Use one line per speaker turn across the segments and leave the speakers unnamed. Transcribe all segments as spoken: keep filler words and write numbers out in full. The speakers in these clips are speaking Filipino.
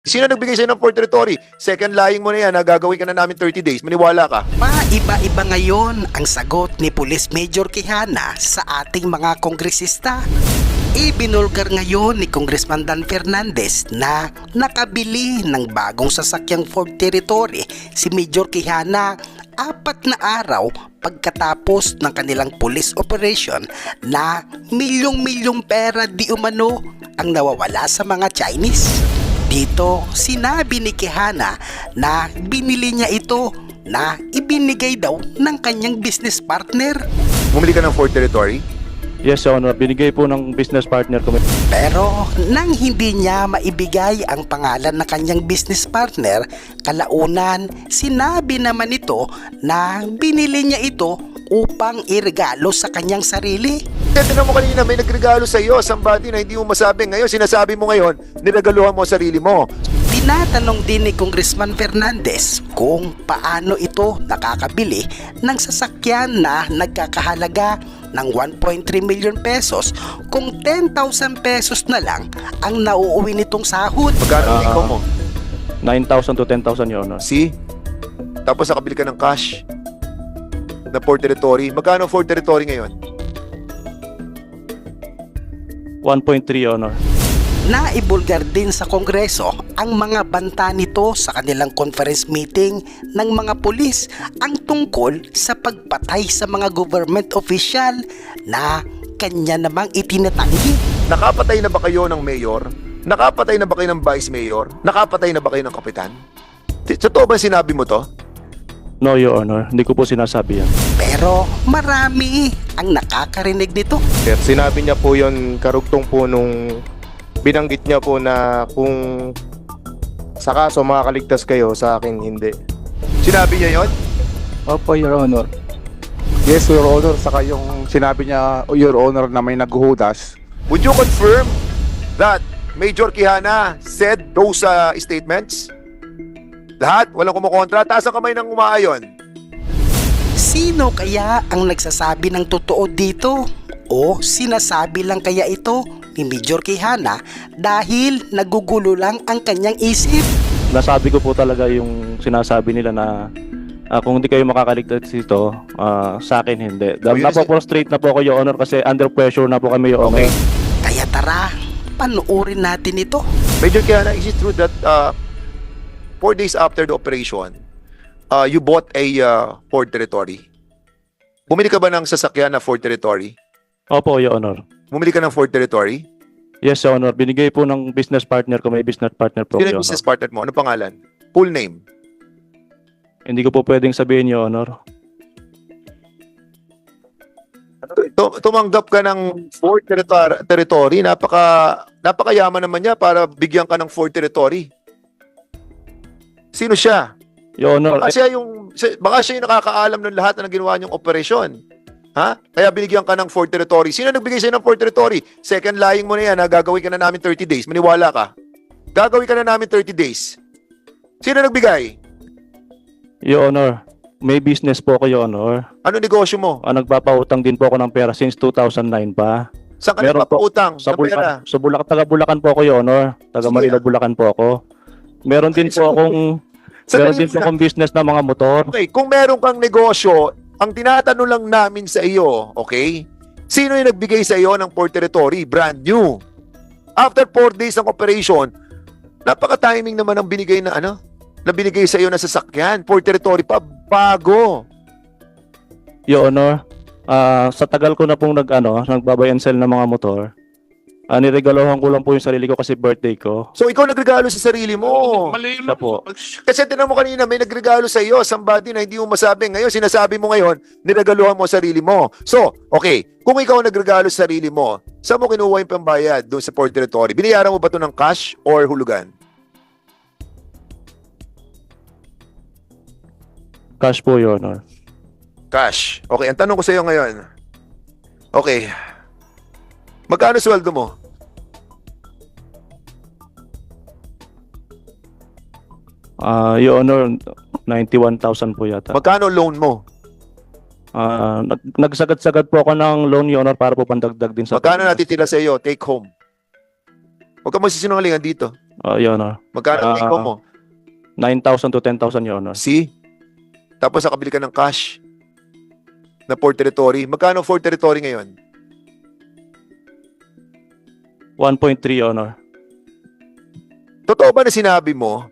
Sino nagbigay sa'yo ng Port Territory? Second lying mo na yan, ha? Gagawin ka na namin thirty days. Maniwala ka.
Maiba-iba ngayon ang sagot ni Police Major Quijana sa ating mga kongresista. Ibinulgar ngayon ni Congressman Dan Fernandez na nakabili ng bagong sasakyang Ford Territory si Major Quijana apat na araw pagkatapos ng kanilang police operation na milyong-milyong pera di umano ang nawawala sa mga Chinese. Dito, sinabi ni Quijana na binili niya ito na ibinigay daw ng kanyang business partner.
Bumili ka ng Fort Territory?
Yes, Your Honor. Binigay po ng business partner ko.
Pero nang hindi niya maibigay ang pangalan ng kanyang business partner, kalaunan sinabi naman ito na binili niya ito upang iregalo sa kanyang sarili.
Kasi tinan mo kanina, may nagregalo sa iyo, somebody na hindi mo masabi. Ngayon, sinasabi mo ngayon, niregaluhan mo sarili mo.
Tinatanong din ni Congressman Fernandez kung paano ito nakakabili ng sasakyan na nagkakahalaga ng one point three million pesos kung ten thousand pesos na lang ang nauuwi nitong sahod.
Magkano ang
Ah.
income mo?
nine thousand to ten thousand, Your Honor.
See? Tapos nakabili ka ng cash na Port Territory. Magkano ang Fort Territory ngayon?
one point three, Your Honor.
Naibulgar din sa Kongreso ang mga banta nito sa kanilang conference meeting ng mga pulis ang tungkol sa pagpatay sa mga government official na kanya namang itinatanggi.
Nakapatay na ba kayo ng mayor? Nakapatay na ba kayo ng vice mayor? Nakapatay na ba kayo ng kapitan? Sa totoo ba sinabi mo to?
No, Your Honor. Hindi ko po sinasabi yan.
Pero marami ang nakakarinig nito.
Sir, sinabi niya po yon karugtong po nung binanggit niya po na kung sa kaso makakaligtas kayo, sa akin hindi.
Sinabi niya yon?
Opo, Your Honor. Yes, Your Honor. Saka yung sinabi niya, Your Honor, na may naghuhudas.
Would you confirm that Major Quijana said those uh, statements? Lahat? Walang kumukontra? Taas ang kamay ng umaayon.
Sino kaya ang nagsasabi ng totoo dito? O sinasabi lang kaya ito ni Major Quijana dahil nagugulo lang ang kanyang isip?
Nasabi ko po talaga yung sinasabi nila na ah, kung hindi kayo makakaligtas dito, ah, sa akin hindi.
Oh, yun is-
Napo-frustrate na po ako, Your Honor, kasi under pressure na po kami, Your Honor.
Okay.
Kaya tara, panuorin natin ito.
Major Quijana, is it true that uh, four days after the operation, uh, you bought a uh, Ford Territory? Bumili ka ba ng sasakyan na Ford Territory?
Opo, Your Honor.
Bumili ka ng Ford Territory?
Yes, Your Honor. Binigay po ng business partner ko. May business partner po,
Sino
Your
yung
Honor.
business partner mo? Ano pangalan? Full name?
Hindi ko po pwedeng sabihin, Your Honor.
Tu- Tumanggap ka ng Ford Territory, territory. Napaka, napakayaman naman niya para bigyan ka ng Ford Territory. Sino siya?
Your Honor,
Baka siya yung, si- baka siya yung nakakaalam ng lahat na ginawa niyong operasyon. Ha? Kaya binigyan ka ng Ford Territory. Sino nagbigay sa'yo ng Ford Territory? Second lying mo na yan, ha? Gagawin ka na namin thirty days. Maniwala ka. Gagawin ka na namin thirty days. Sino nagbigay?
Your Honor, may business po ako, Your Honor.
Ano negosyo mo?
Ah, nagpapautang din po ako ng pera since two thousand nine pa.
Saan ka
Meron po.
nagpapautang
Sa
ng pera?
Bulacan, sa Bulacan, taga Bulacan po ako, Your Honor. Taga
Sige,
Manila,
ah.
Bulacan po ako. Meron din po akong
Sandali
meron din po
muna.
akong business na mga motor.
Okay, kung meron kang negosyo, ang tinatanong lang namin sa iyo, okay? Sino yung nagbigay sa iyo ng Port Territory? Brand new. After four days ng operation, napaka-timing naman ang binigay na ano? Na binigay sa iyo na sasakyan. Port Territory pa, bago.
Your Honor, ah, sa tagal ko na pong nag, ano, nagbabay and sell ng mga motor, ah, niregalohan ko lang po yung sarili ko kasi birthday ko.
So ikaw nagregalo sa sarili mo.
Siya po.
Kasi tinan mo kanina, may nagregalo sa iyo, somebody na hindi mo masabi. Ngayon, sinasabi mo ngayon, niregaluhan mo ang sarili mo. So, okay, kung ikaw nagregalo sa sarili mo, saan mo kinuha yung pambayad doon sa Port Territory? Binayaran mo ba ito ng cash or hulugan?
Cash po, Your Honor.
Cash. Okay, ang tanong ko sa iyo ngayon. Okay. Magkano sweldo mo?
Ah, Your Honor, ninety-one thousand po yata.
Magkano loan mo?
Ah, nag nagsagad-sagad po ako ng loan, Your Honor, para po pandagdag din sa...
Magkano natitira sa iyo? Take home. Huwag ka magsisinungalingan dito.
Uh, Your Honor.
Magkano ang
Ah.
take home mo?
nine thousand to ten thousand, Your Honor.
See? Tapos nakabili ka ng cash na Port Territory. Magkano Port Territory ngayon?
one point three, Your Honor.
Totoo ba na sinabi mo?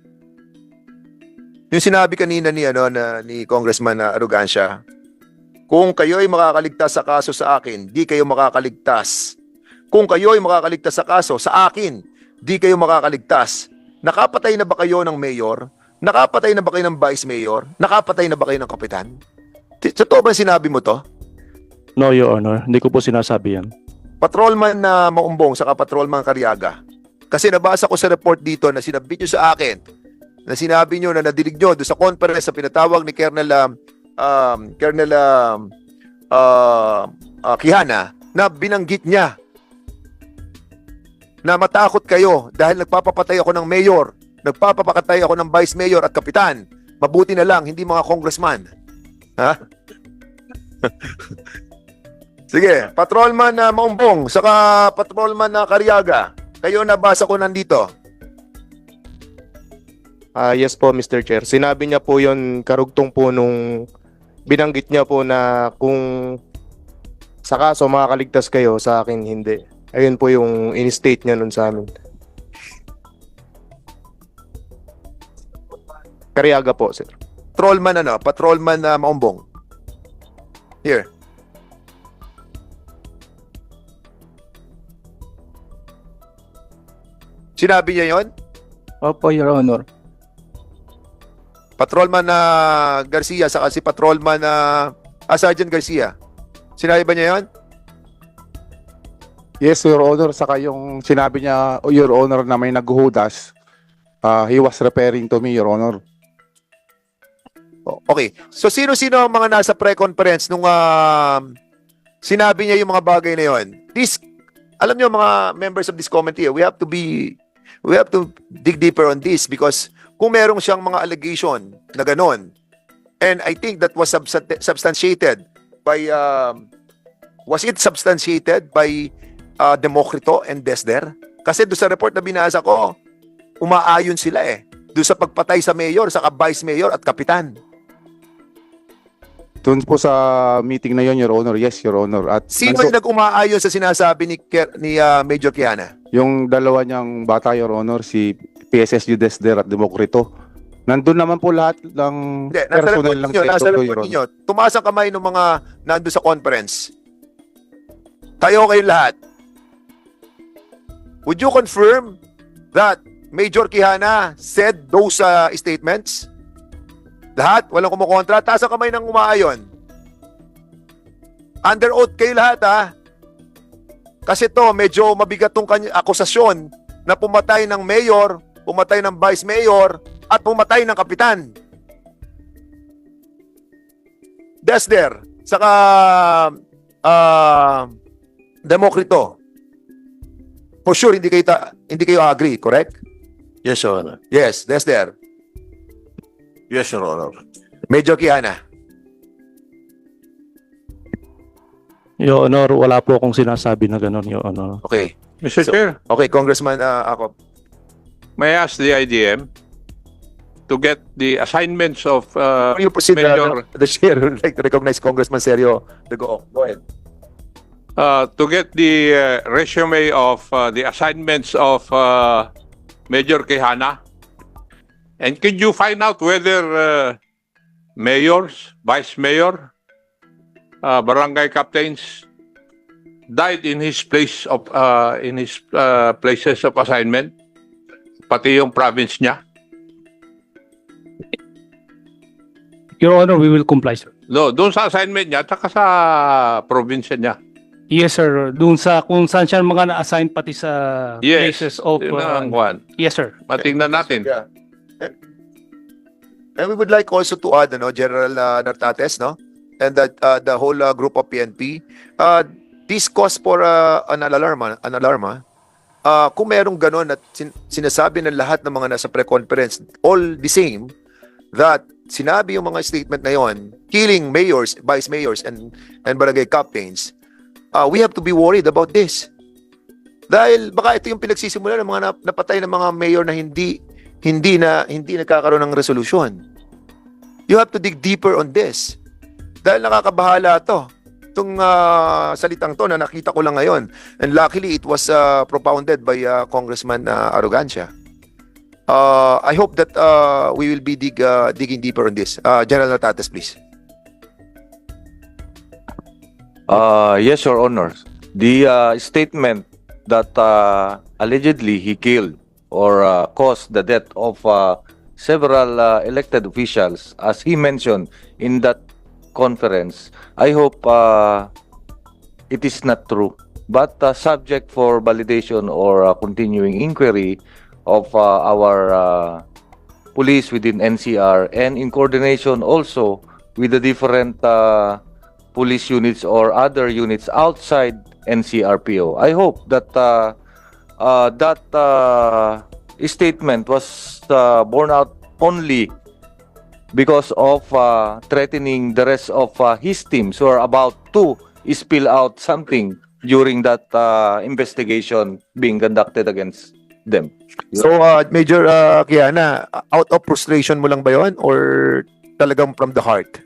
Yung sinabi kanina ni ano na ni Congressman na Arrogancia, kung kayo ay makakaligtas sa kaso sa akin, di kayo makakaligtas. Kung kayo ay makakaligtas sa kaso sa akin, di kayo makakaligtas. Nakapatay na ba kayo ng mayor? Nakapatay na ba kayo ng vice mayor? Nakapatay na ba kayo ng kapitan? T- Totoo ba sinabi mo to?
No, Your Honor. Hindi ko po sinasabi yan.
Patrolman na Maumbong saka patrolman Cariaga. Kasi nabasa ko sa report dito na sinabit nyo sa akin na sinabi nyo na nadinig nyo doon sa conference sa pinatawag ni Colonel um, um, Colonel um, uh, uh, Quijana na binanggit niya na matakot kayo dahil nagpapapatay ako ng mayor, nagpapapakatay ako ng vice mayor at kapitan. Mabuti na lang, hindi mga congressman. Ha? Sige, patrolman na Maumbong, saka patrolman na Cariaga. Kayo nabasa ko nandito.
Ah, yes po, Mister Chair. Sinabi niya po yon karugtong po nung binanggit niya po na kung sa kaso makakaligtas kayo, sa akin hindi. Ayun po yung in-state niya nun sa amin. Cariaga po, sir.
Patrolman ano, patrolman na Maumbong. Here. Sinabi niya yon?
Opo, Your Honor.
Patrolman na Garcia saka si patrolman na ah, Sergeant Garcia. Sinabi ba niya yon?
Yes, Your Honor. Saka yung sinabi niya, oh, Your Honor, na may naghuhudas, uh, he was referring to me, Your Honor.
O- Okay. So sino-sino ang mga nasa pre-conference nung ah, sinabi niya yung mga bagay na yon? This, alam niyo mga members of this committee, we have to be we have to dig deeper on this because kung merong siyang mga allegation na ganon, and I think that was substan- substantiated by um, was it substantiated by uh, Democrito and Desder? Kasi doon sa report na binasa ko, umaayon sila eh. Doon sa pagpatay sa mayor, sa vice mayor at kapitan.
Doon po sa meeting na yon, Your Honor. Yes, Your Honor. At
Sino
nandun-
yung nag-umaayon sa sinasabi ni, Ker- ni ah, Major Quijana?
yung dalawa niyang bata, Your Honor, si P S S U Desder at Democrito. Nandun naman po lahat ng
Hindi, nasa report
personnel ng
ninyo, nasa
Seto, Your
report
Honor.
ninyo. Tumaas ang kamay ng mga nando sa conference. Tayo kayo lahat. Would you confirm that Major Quijana said those uh, statements? Lahat? Walang kumukontra? Taas ang kamay ng umaayon. Under oath kayo lahat, ha? Kasi to, medyo mabigat tong kany- akusasyon na pumatay ng mayor, pumatay ng vice mayor, at pumatay ng kapitan. Desder, saka uh, Democrito. For sure, hindi kayo, ta- hindi kayo agree, correct?
Yes, Your Honor.
Yes, Desder.
Yes, Your Honor.
Major Quijana.
Your Honor, wala po akong sinasabi na gano'n, Your Honor.
Okay.
Mister
So-
Chair,
Okay, Congressman uh, ako.
may I ask the I D M to get the assignments of uh,
Before you proceed,
Major-
uh, the chair would like to recognize Congressman Sergio de Go. Go ahead.
uh, to get the uh, resume of uh, the assignments of uh, Major Quijana? And could you find out whether uh, mayors, vice mayor, uh, barangay captains died in his place of uh, in his uh, places of assignment, pati yung province niya?
Your Honor, we will comply, sir.
No, doon sa assignment niya, tsaka sa probinsya niya.
Yes, sir. Doon sa kung saan siya mga na-assign pati sa
Yes.
places of...
Yun
uh,
ang Juan.
yes, sir.
Matingnan natin.
Yeah. And- And we would like also to add, ano, General uh, Nartates, no? And that uh, the whole uh, group of P N P, uh, this cause for uh, an alarm, ah, an alarm, ah. Uh, kung merong ganon at sin- sinasabi ng lahat ng mga nasa pre-conference, all the same, that sinabi yung mga statement na yon, killing mayors, vice mayors, and, and barangay captains, uh, we have to be worried about this. Dahil baka ito yung pinagsisimula ng mga nap- napatay ng mga mayor na hindi hindi na hindi nagkakaroon ng resolusyon. You have to dig deeper on this. Dahil nakakabahala to. Itong ah, salitang to na nakita ko lang ngayon. And luckily, it was ah, propounded by ah, Congressman uh, Arrogancia. Uh, I hope that uh, we will be dig, ah, digging deeper on this. Uh, General Natates, please.
Uh, yes, Your Honor. The uh, statement that uh, allegedly he killed or uh, caused the death of uh, several uh, elected officials, as he mentioned in that conference, I hope uh, it is not true. But uh, subject for validation or uh, continuing inquiry of uh, our uh, police within N C R and in coordination also with the different uh, police units or other units outside N C R P O. I hope that uh, uh, that uh, statement was uh, borne out only because of uh, threatening the rest of uh, his teams who are about to spill out something during that uh, investigation being conducted against them.
So, uh, Major uh, Kiana, out of frustration mo lang ba yun or talagang from the heart?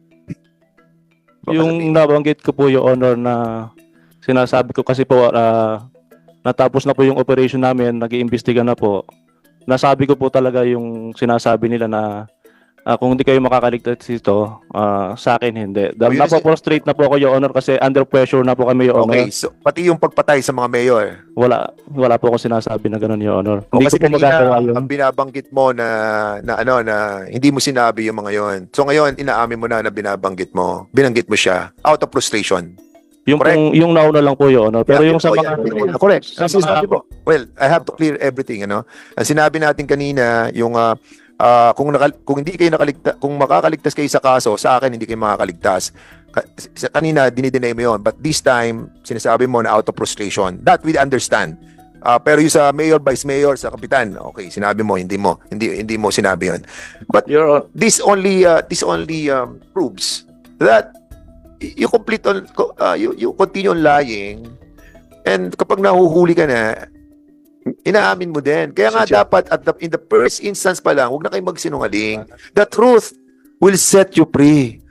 Baka
Yung
sabihin.
nabanggit ko po, Your Honor, na sinasabi ko kasi po, ah, natapos na po yung operation namin, nag-iimbestiga na po. Nasabi ko po talaga yung sinasabi nila na ah, kung hindi kayo makakaligtas dito, ah, sa akin hindi.
Oh, yun is-
Napo-frustrate na po ako, Your Honor, kasi under pressure na po kami, Your Honor.
Okay, so pati yung pagpatay sa mga mayor.
Wala, wala po ako sinasabi na gano'n, Your Honor.
O
Hindi
kasi
ko po magagawa
kanina,
yun.
ang binabanggit mo na, na ano, na hindi mo sinabi yung mga yon. So ngayon, inaamin mo na na binabanggit mo. Binanggit mo siya out of frustration.
Yung,
correct.
pong- yung nauna lang po, Your Honor. Pero
Yeah,
yung sa
oh,
mga...
yeah, correct.
sa
Ang sinabi
mga-
mo, well, I have to clear everything, ano. Ang sinabi natin kanina, yung ah, ah, kung nakal- kung hindi kayo nakaligtas, kung makakaligtas kayo sa kaso, sa akin hindi kayo makakaligtas. Ka- sa- Kanina dinideny mo yon, but this time sinasabi mo na out of frustration. That we understand. Ah, pero yung sa mayor, vice mayor, sa kapitan, okay, sinabi mo hindi mo, hindi hindi mo sinabi yon. But
Your Hon-
this only uh, this only um, proves that y- you complete on uh, you, you continue on lying, and kapag nahuhuli ka na, inaamin mo din. Kaya nga
Sir.
dapat at the, in the first instance pa lang, huwag na kayo magsinungaling. The truth will set you free.